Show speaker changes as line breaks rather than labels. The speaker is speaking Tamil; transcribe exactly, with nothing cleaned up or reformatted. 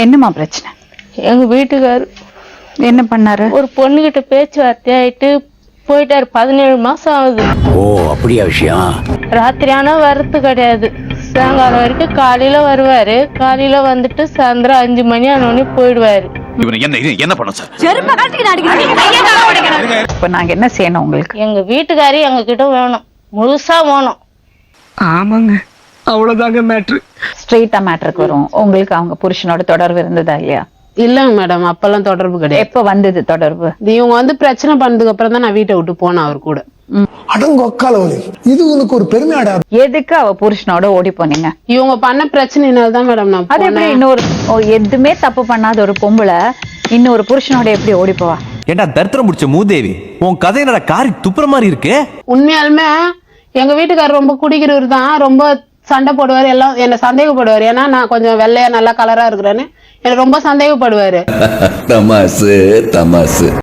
என்னமா பிரச்சனை?
எங்க வீட்டுக்காரு
என்ன பண்ணாரு?
ஒரு பொண்ணுகிட்ட பேச்சுவார்த்தை ஆயிட்டு போயிட்டாரு. பதினேழு மாசம் ஆகுது.
ஓ அப்படியா விஷயம்?
ராத்திரி ஆனா வர்றது கிடையாது. சாயங்காலம் வரைக்கும் காலையில வருவாரு. காலையில வந்துட்டு சாயந்தரம் அஞ்சு மணி ஆனோடனே போயிடுவாரு.
என்ன பண்ண சார்?
இப்ப நாங்க என்ன செய்யணும் உங்களுக்கு?
எங்க வீட்டுக்காரி எங்க கிட்ட வேணும், முழுசா வேணும்.
ஆமாங்க, அவ்வளவுதாங்க மேட்ரு.
ஸ்ட்ரெயிட்டா மேட்டருக்கு வரும். உங்களுக்கு அவங்க புருஷனோட தொடர்பு இருந்ததா இல்லையா?
இல்லங்க மேடம், அப்பெல்லாம் தொடர்பு கிடையாது.
எப்ப வந்தது தொடர்பு?
இவங்க வந்து பிரச்சனை பண்ணதுக்கு அப்புறம் தான் நான் வீட்டை விட்டு போனேன் அவர் கூட.
அடங்கொக்காலவலி, இது உனக்கு ஒரு பெருமையாடா?
எதுக்கு அவ புருஷனோட ஓடி போனீங்க?
இவங்க பண்ண பிரச்சனைனால தான் மேடம் நான்
அது எப்படி?
போனேன்.
இன்னொரு ஓ, எதுவுமே தப்பு பண்ணாத ஒரு பொம்பளை இன்னொரு புருஷனோட எப்படி ஓடி போவா?
ஏண்டா தரித்திரம் முடிச்ச மூதேவி, உன் கதை என்னடா காரி துப்புற மாதிரி இருக்கு.
உண்மையாலுமே எங்க வீட்டுக்காரர் ரொம்ப குடிக்கிறவர் தான், ரொம்ப சண்டை போடுவாரு, எல்லாம் என்ன சந்தேகப்படுவாரு. ஏன்னா நான் கொஞ்சம் வெள்ளையா நல்லா கலரா இருக்கிறேன்னு என்ன ரொம்ப சந்தேகப்படுவாரு.
தமாசு தமாசு.